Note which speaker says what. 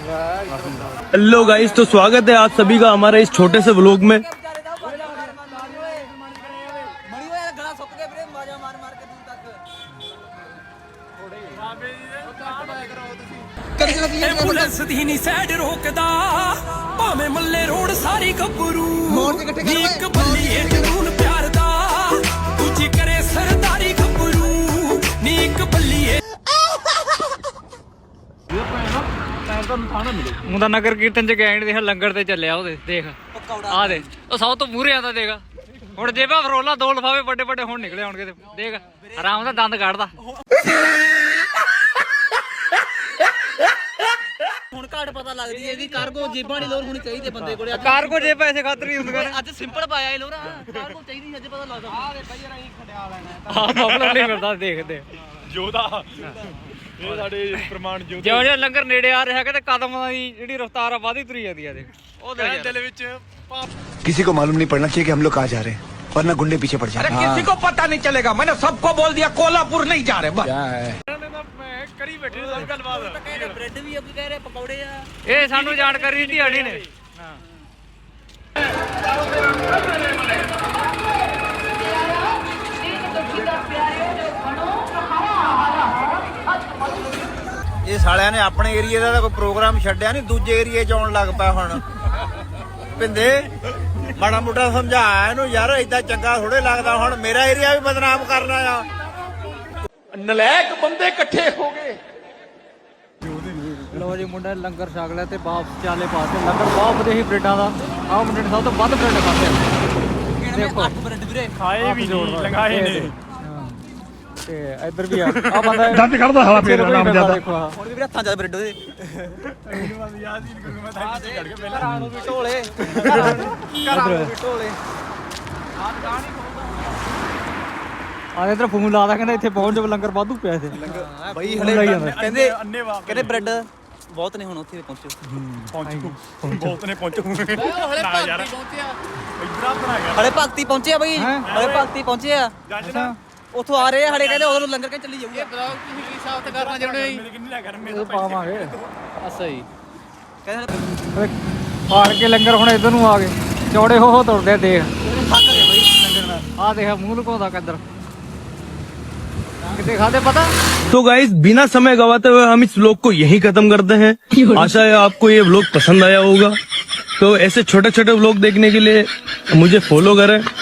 Speaker 1: Hello guys, तो स्वागत है आप सभी का हमारे इस छोटे से व्लॉग में।
Speaker 2: ਐਂਬੂਲੈਂਸ ਦੀ ਨਹੀਂ ਸਾਈਡ ਰੋਕਦਾ ਭਾਵੇਂ ਮੱਲੇ ਰੋਡ ਸਾਰੀ ਗੱਭਰੂ ਇੱਕ ਬੱਲੀ ਏ ਜਨੂਨ ਪਿਆਰ ਦਾ ਦੂਜੀ ਕਰੇ ਸਰਦਾਰੀ ਗੱਭਰੂ ਨੀ ਇੱਕ ਬੱਲੀ ਏ
Speaker 3: ਮੁੰਡਾ ਨਗਰ ਕੀਰਤਨ ਚ ਗਏ ਦੇਖ ਲੰਗਰ ਤੇ ਚੱਲਿਆ ਉਹਦੇ ਦੇਖ ਆ ਦੇ ਉਹ ਸਭ ਤੋਂ ਮੂਹਰੇ ਆਂਦਾ ਦੇਖ ਹੁਣ ਜੇਬਾਂ ਫਰੋਲਾ ਦੋ ਲਫਾਵੇ ਵੱਡੇ ਵੱਡੇ ਹੁਣ ਨਿਕਲੇ ਆਉਣਗੇ ਤੇ ਦੇਖ ਆਰਾਮ ਦਾ ਦੰਦ ਕੱਢਦਾ
Speaker 4: ਹੁਣ ਘੱਟ ਪਤਾ ਲੱਗਦੀ ਹੈ ਇਹਦੀ ਕਾਰਗੋ ਜੇਬਾਂ ਦੀ ਲੋੜ ਹੋਣੀ ਚਾਹੀਦੀ ਬੰਦੇ ਕੋਲੇ
Speaker 3: ਕਾਰਗੋ ਜੇ ਪੈਸੇ ਖਾਤਰ ਨਹੀਂ ਹੁੰਦੀਆਂ ਨੇ
Speaker 4: ਅੱਜ ਸਿੰਪਲ ਪਾਇਆ ਇਹ ਲੋਰਾ ਕਾਰਗੋ ਚਾਹੀਦੀ ਅੱਜ ਪਤਾ ਲੱਗਦਾ ਆ ਦੇ ਭਾਈ ਯਾਰ ਅਸੀਂ ਖੰਡਿਆ ਲੈਣਾ
Speaker 3: ਆਹ ਪਪੂਲਰ ਨਹੀਂ ਮਿਲਦਾ ਦੇਖਦੇ
Speaker 1: ਜੋਧਾ ਇਹ ਸਾਡੇ ਪ੍ਰਮਾਣ ਜੋਧੇ
Speaker 3: ਜਿਉਂ ਜਿਉਂ ਲੰਗਰ ਨੇੜੇ ਆ ਰਿਹਾ ਕਿ ਕਦਮਾਂ ਦੀ ਜਿਹੜੀ ਰਫ਼ਤਾਰ ਆ ਵਧਦੀ ਤੁਰੀ ਜਾਂਦੀ ਆ ਦੇਖ ਉਹ ਦੇਖ
Speaker 1: ਦਿਲ ਵਿੱਚ
Speaker 5: किसी को मालूम नहीं पड़ना चाहिए कि हम लोग कहाँ जा रहे हैं, वरना गुंडे पीछे पड़ जाते हैं।
Speaker 2: किसी को पता नहीं चलेगा मैंने सबको बोल दिया कोल्हापुर नहीं जा रहे बस
Speaker 1: ਕਰੀ ਬੈਠੇ ਸਭ ਗੱਲਬਾਤ
Speaker 4: ਕਹਿੰਦੇ ਬ੍ਰੈਡ ਵੀ ਆ ਕੋਈ ਕਹਿ ਰਿਹਾ ਪਕੌੜੇ ਆ
Speaker 3: ਇਹ ਸਾਨੂੰ ਜਾਣਕਾਰੀ ਢਿਆੜੀ ਨੇ
Speaker 6: ਇਹ ਸਾਲਿਆਂ ਨੇ ਆਪਣੇ ਏਰੀਏ ਦਾ ਤਾਂ ਕੋਈ ਪ੍ਰੋਗਰਾਮ ਛੱਡਿਆ ਨਹੀਂ, ਦੂਜੇ ਏਰੀਏ 'ਚ ਆਉਣ ਲੱਗ ਪਿਆ ਹੁਣ। ਪਿੰਦੇ ਮਾੜਾ ਮੋਟਾ ਸਮਝਾ ਇਹਨੂੰ ਯਾਰ, ਏਦਾਂ ਚੰਗਾ ਥੋੜੇ ਲੱਗਦਾ। ਹੁਣ ਮੇਰਾ ਏਰੀਆ ਵੀ ਬਦਨਾਮ ਕਰਨਾ ਆ।
Speaker 2: ਨਲਾਇਕ ਬੰਦੇ ਇਕੱਠੇ ਹੋ ਗਏ
Speaker 3: ਲੋ ਜੀ ਮੁੰਡਾ ਲੰਗਰ ਛਕ ਲਿਆ ਤੇ ਵਾਪਸ ਚਾਲੇ ਪਾਸੇ ਲੰਗਰ ਬਹੁਤ ਵਧੀਆ ਸੀ ਬ੍ਰੈਡਾਂ ਦਾ। ਆਹ ਮੁੰਡੇ ਨੇ ਸਭ ਤੋਂ ਵੱਧ ਬ੍ਰੈਡ ਖਾਦੇ ਦੇਖੋ
Speaker 4: 8 ਬ੍ਰੈਡ ਵੀਰੇ
Speaker 1: ਖਾਏ ਵੀ ਨਹੀਂ ਲੰਗਾਏ ਨੇ
Speaker 3: ਤੇ ਇੱਧਰ ਵੀ ਆ ਆ ਬੰਦਾ
Speaker 1: ਦੰਦ ਕੱਢਦਾ ਹਵਾ ਫੇਰ ਨਾਮ ਜਿਆਦਾ
Speaker 3: ਦੇਖੋ ਆ
Speaker 4: ਹੁਣ ਵੀ ਵੀਰੇ ਹੱਥਾਂ 'ਚ ਬ੍ਰੈਡ ਉਹਦੇ
Speaker 1: ਯਾਦ ਹੀ ਨਹੀਂ ਕਰੂੰਗਾ ਮੈਂ ਤਾਂ ਇੱਥੇ ਚੜ ਕੇ ਪਹਿਲਾਂ
Speaker 4: ਘਰਾਂ ਨੂੰ ਵੀ ਢੋਲੇ ਘਰਾਂ ਨੂੰ ਵੀ ਢੋਲੇ
Speaker 3: ਆ ਇਧਰ ਫੋਨ ਲਾਦਾ ਕਹਿੰਦਾ ਇੱਥੇ ਪਹੁੰਚ ਜਾ ਲੰਗਰ ਵਾਧੂ ਪਿਆ ਇੱਥੇ
Speaker 4: ਬਈ ਹਲੇ ਕਹਿੰਦੇ ਬ੍ਰੈਡ ਬਹੁਤ ਨੇ ਹੁਣ ਉੱਥੇ ਪਹੁੰਚੋ
Speaker 1: ਬਹੁਤ ਨੇ ਪਹੁੰਚੋ ਨਾ ਯਾਰ ਇਧਰ ਬਣਾ ਗਿਆ
Speaker 4: ਹਲੇ ਭਗਤੀ ਪਹੁੰਚੇ ਆ ਬਈ ਹਲੇ ਭਗਤੀ ਪਹੁੰਚੇ ਆ
Speaker 3: ਅੱਛਾ
Speaker 4: ਉੱਥੋਂ ਆ ਰਹੇ ਆ ਹਲੇ ਕਹਿੰਦੇ ਉਧਰ ਨੂੰ ਲੰਗਰ ਕੇ ਚੱਲੀ ਜਾਊਗਾ
Speaker 1: ਤੁਸੀਂ ਕੀ ਸਾਫਤ ਕਰਨਾ ਚਾਹੁੰਦੇ ਹੋ ਕਿੰਨੀ ਨਾ ਗਰਮੀ
Speaker 3: ਇਹ ਪਾਵਾਂਗੇ
Speaker 4: ਅੱਛਾ ਜੀ ਕਹਿੰਦੇ
Speaker 3: ਪਾੜ ਕੇ ਲੰਗਰ ਹੁਣ ਇਧਰ ਨੂੰ ਆ ਗਏ ਚੌੜੇ ਹੋ ਤੁਰਦੇ ਦੇਖ
Speaker 4: ਥੱਕ ਗਏ ਬਈ ਲੰਗਰ ਨਾਲ
Speaker 3: ਆ ਦੇਖ ਮੂੰਹ ਲੁਕਾਉਂਦਾ ਕਿੱਧਰ कितने खाते पता।
Speaker 1: तो गाइस, बिना समय गवाते हुए हम इस व्लॉग को यहीं खत्म करते हैं। आशा है आपको ये व्लॉग पसंद आया होगा। तो ऐसे छोटे छोटे व्लॉग देखने के लिए मुझे फॉलो करें।